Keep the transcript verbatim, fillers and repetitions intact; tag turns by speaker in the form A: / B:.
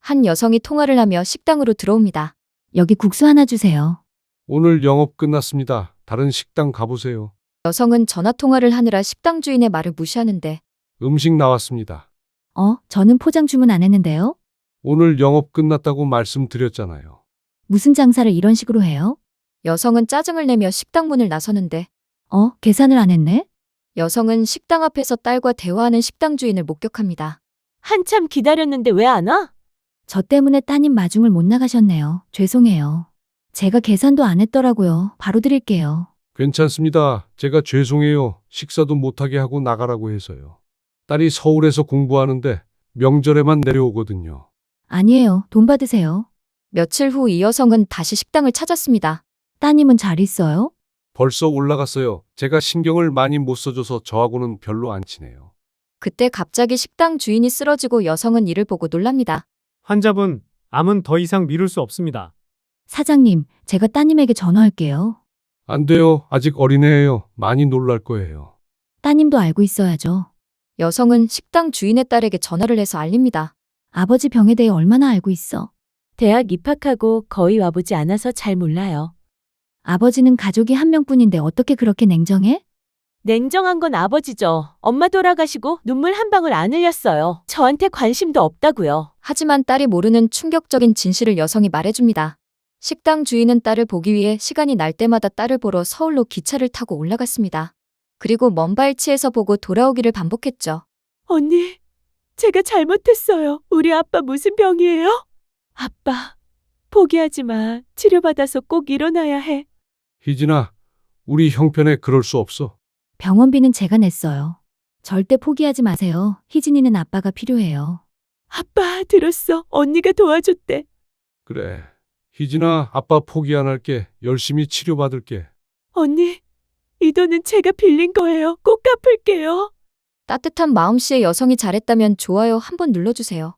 A: 한 여성이 통화를 하며 식당으로 들어옵니다.
B: 여기 국수 하나 주세요.
C: 오늘 영업 끝났습니다. 다른 식당 가보세요.
A: 여성은 전화 통화를 하느라 식당 주인의 말을 무시하는데
C: 음식 나왔습니다.
B: 어, 저는 포장 주문 안 했는데요?
C: 오늘 영업 끝났다고 말씀드렸잖아요.
B: 무슨 장사를 이런 식으로 해요?
A: 여성은 짜증을 내며 식당 문을 나서는데
B: 어, 계산을 안 했네?
A: 여성은 식당 앞에서 딸과 대화하는 식당 주인을 목격합니다.
D: 한참 기다렸는데 왜 안 와?
B: 저 때문에 따님 마중을 못 나가셨네요. 죄송해요. 제가 계산도 안 했더라고요. 바로 드릴게요.
C: 괜찮습니다. 제가 죄송해요. 식사도 못하게 하고 나가라고 해서요. 딸이 서울에서 공부하는데 명절에만 내려오거든요.
B: 아니에요. 돈 받으세요.
A: 며칠 후 이 여성은 다시 식당을 찾았습니다.
B: 따님은 잘 있어요?
C: 벌써 올라갔어요. 제가 신경을 많이 못 써줘서 저하고는 별로 안 친해요.
A: 그때 갑자기 식당 주인이 쓰러지고 여성은 이를 보고 놀랍니다.
E: 환자분, 암은 더 이상 미룰 수 없습니다.
B: 사장님, 제가 따님에게 전화할게요.
C: 안 돼요. 아직 어린애예요. 많이 놀랄 거예요.
B: 따님도 알고 있어야죠.
A: 여성은 식당 주인의 딸에게 전화를 해서 알립니다.
B: 아버지 병에 대해 얼마나 알고 있어?
D: 대학 입학하고 거의 와보지 않아서 잘 몰라요.
B: 아버지는 가족이 한 명뿐인데 어떻게 그렇게 냉정해?
D: 냉정한 건 아버지죠. 엄마 돌아가시고 눈물 한 방울 안 흘렸어요. 저한테 관심도 없다고요.
A: 하지만 딸이 모르는 충격적인 진실을 여성이 말해줍니다. 식당 주인은 딸을 보기 위해 시간이 날 때마다 딸을 보러 서울로 기차를 타고 올라갔습니다. 그리고 먼 발치에서 보고 돌아오기를 반복했죠.
D: 언니, 제가 잘못했어요. 우리 아빠 무슨 병이에요? 아빠, 포기하지 마. 치료받아서 꼭 일어나야 해.
C: 희진아, 우리 형편에 그럴 수 없어.
B: 병원비는 제가 냈어요. 절대 포기하지 마세요. 희진이는 아빠가 필요해요.
D: 아빠, 들었어. 언니가 도와줬대.
C: 그래. 희진아, 아빠 포기 안 할게. 열심히 치료받을게.
D: 언니, 이 돈은 제가 빌린 거예요. 꼭 갚을게요.
A: 따뜻한 마음씨의 여성이 잘했다면 좋아요 한번 눌러주세요.